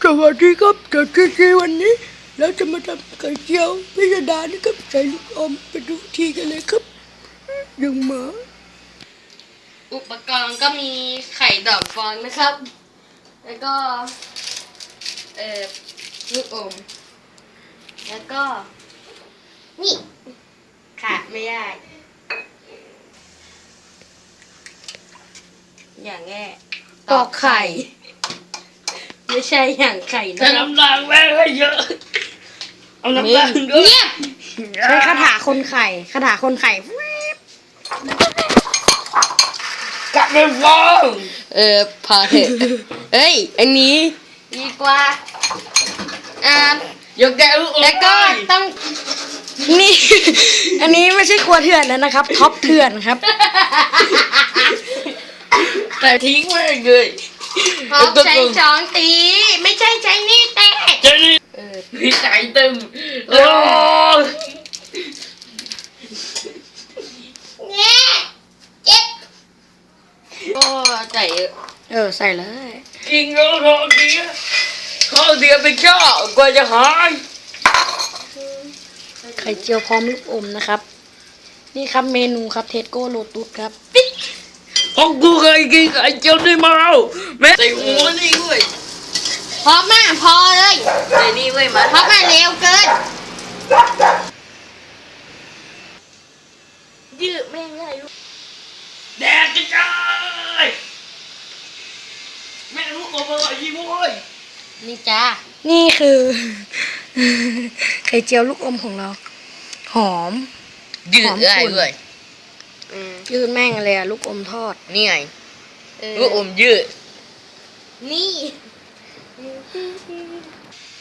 สวัสดีครับจากทีวันนี้เราจะมาทำไข่เจียวพิสดารนะครับใส่ลูกอมไปดูทีกันเลยครับยังมาอุปกรณ์ก็มีไข่ดอกฟองนะครับ แล้วก็ลูกอมแล้วก็นี่ขาดไม่ได้อย่างแง่ตอกไข่ไม่ใช่อย่างไข่นะใส่น้ำตาลแม่ให้เยอะเอาน้ำตาลด้วยเงียบใช้คาถาคนไข่คาถาคนไข่กัดเป็นฟองพอเถอะเอ้ยอันนี้ดีกว่าอย่าแกะลูกอมแล้วก็ต้องนี่ อันนี้ไม่ใช่ครัวเถื่อนแล้วนะครับท็อปเถื่อนครับแต่ทิ้งไว้เลยพอใช้ช้อนตีไม่ใช่ใช้นี่แตะเจนี่พี่ใจตึมโอ้เนี่ยเจ็บโอ้ใจเยอะใส่เลยกินแล้วทองเดียวไปเจ้ากว่าจะหายไข่เจียวพร้อมลูกอมนะครับ นี่ครับเมนูครับเทสโก้โลตุสครับของกูเคยกินไข่เจียวได้มาแล้วแม่ใส่หัวนี่เว้ยพอมากพอเลยใส่นี่เว้ยมันเพราะมันเร็วเกินยืดแม่งได้ลูกแดกกระจายแม่ลูกอมอร่อยยิ่งเว้ยนี่จ้านี่คือ ไข่เจียวลูกอมของเรา หอมยืดได้เว้ยยืดแม่งเลยอะลูกอมทอดนี่ไงลูกอมยืดนี่